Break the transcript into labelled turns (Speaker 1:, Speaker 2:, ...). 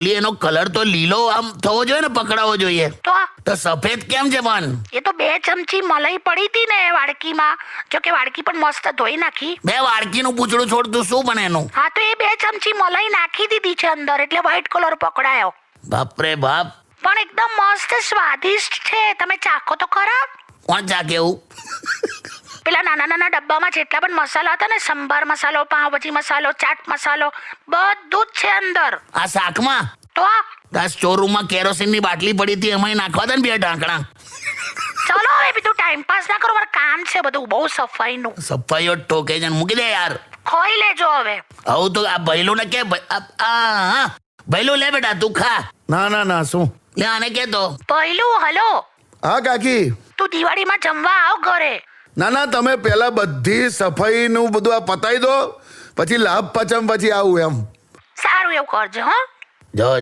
Speaker 1: એનો કલર તો લીલો આમ થવો જોઈએ ને, પકડાવો જોઈએ. તો સફેદ કેમ છે પણ?
Speaker 2: એ તો 2 ચમચી મલાઈ પડી હતી ને વાડકીમાં. જો કે વાડકી પણ મસ્ત ધોઈ નાખી.
Speaker 1: બે વાડકીનું પૂંછડું છોડતું શું બને એનું?
Speaker 2: હા તો એ 2 ચમચી મલાઈ નાખી દીધી છે અંદર, એટલે વ્હાઈટ કલર પકડાયો.
Speaker 1: બાપરે બાપ.
Speaker 2: પણ એકદમ મસ્ત સ્વાદિષ્ટ છે, તમે ચાખો તો ખરા.
Speaker 1: કોણ ચાખે એવું?
Speaker 2: પેલા નાના નાના ડબ્બામાં જેટલા પણ મસાલા હતા ને, સંભાર મસાલો, પાવભાજી મસાલો, ચાટ મસાલો, બધું જ છે અંદર.
Speaker 1: આ શાકમાં
Speaker 2: તો
Speaker 1: આ સ્ટોરરૂમમાં કેરોસીનની બાટલી પડી હતી, એમાં નાખવા દે ને 2 ઢાંકણા.
Speaker 2: ચલો હવે બીજું ટાઈમ પાસ ના કરો, મારે કામ છે બધું બહુ સફાઈનું.
Speaker 1: સફાઈઓ ટોકે છે, મૂકી દે યાર.
Speaker 2: ખોઈ લેજો હવે.
Speaker 1: આવું તો આ ભૈલું ને કે ભૈલું લે બેટા તું ખા.
Speaker 3: ના ના ના, શું?
Speaker 1: લે આને કે તો.
Speaker 2: પહેલું હલો,
Speaker 3: હા કાકી.
Speaker 2: તું દિવાળીમાં જમવા આવ ઘરે.
Speaker 3: ના ના, તમે પહેલા બધી સફાઈનું બધું આ પતાવી દો, પછી લાભ પચમ પછી આવું એમ.
Speaker 2: સારું એવું કરજો. હા
Speaker 1: જો